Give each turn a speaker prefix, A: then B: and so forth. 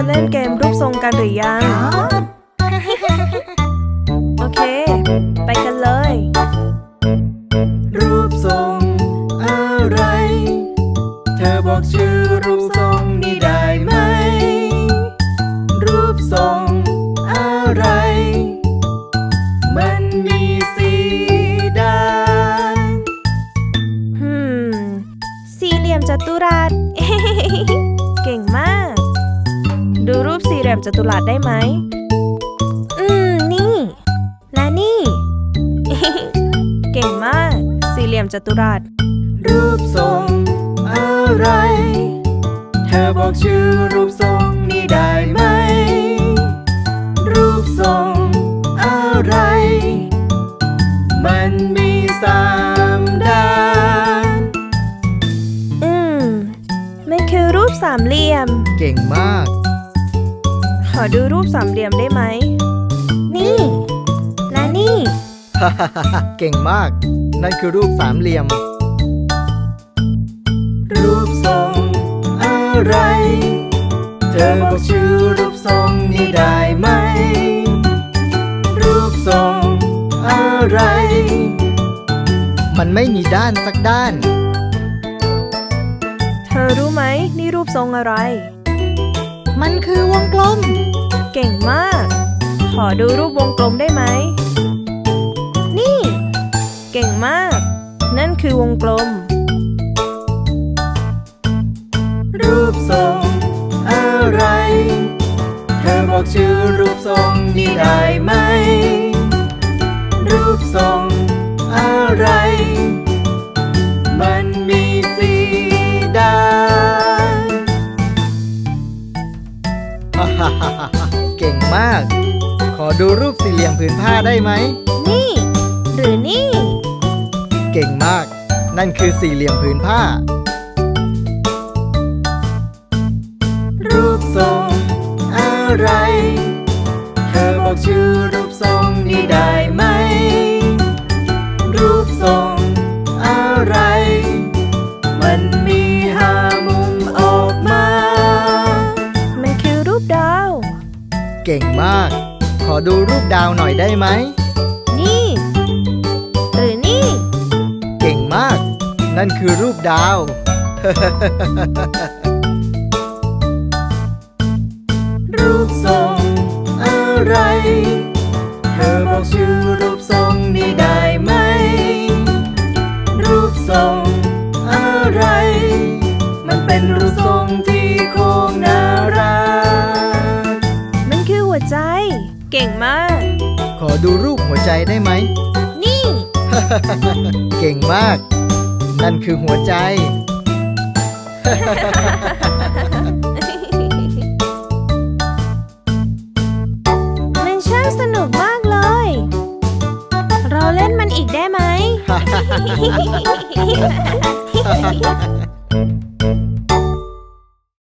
A: เล่นเกมรูปทรงกันหรือยัง โอเค ไปกันเลย
B: รูปทรงอะไร เธอบอกชื่อรูปทรงนี้ได้ไหม รูปทรงอะไร มันมีสีด้าน
A: สี่เหลี่ยมจัตุรัส เก่งมาก ดูรูปสี่เหลี่ยมจัตุรัสได้ไหม นี่ และนี่ เก่งมาก สี่เหลี่ยมจัตุรัส
B: รูปทรงอะไร เธอบอกชื่อรูปทรงนี้ได้ไหม รูปทรงอะไร มันมี3 ด้าน
A: มันคือรูปสามเหลี่ยม
B: เก่งมาก
A: ขอดูรูปสามเหลี่ยมได้ไหม นี่ และนี่
B: เก่งมาก นั่นคือรูปสามเหลี่ยม รูปทรงอะไร เธอบอกชื่อรูปทรงนี้ได้ไหม รูปทรงอะไร มันไม่มีด้านสักด้าน
A: เธอรู้ไหมนี่รูปทรงอะไร
B: มันคือวงกลม
A: เก่งมาก ขอดูรูปวงกลมได้ไหม นี่ เก่งมาก นั่นคือวงกลม
B: รูปทรงอะไร เธอบอกชื่อรูปทรงนี้ได้ไหม รูปทรงอะไร มันมีสีด้าน เก่งมาก ขอดูรูปสี่เหลี่ยมผืนผ้าได้ไหม
A: นี่ หรือนี่
B: เก่งมาก นั่นคือสี่เหลี่ยมผืนผ้า รูปทรงอะไร เธอบอกชื่อรูปทรงนี้ได้ไหม รูปทรงอะไร มันมี5 มุมออกมา
A: มันคือรูปดาว
B: เก่งมาก ขอดูรูปดาวหน่อยได้ไหม
A: นี่ หรือนี่
B: เก่งมาก นั่นคือรูปดาว รูปทรงอะไร เธอบอกชื่อรูปทรงนี้ได้ไหม รูปทรงอะไร มันเป็นรูปทรงที่โค้งน่ารัก
A: มันคือหัวใจ เก่งมาก
B: ขอดูรูปหัวใจได้ไหม
A: นี่
B: เก่งมาก นั่นคือหัวใจ
A: มันช่างสนุกมากเลย เราเล่นมันอีกได้ไหม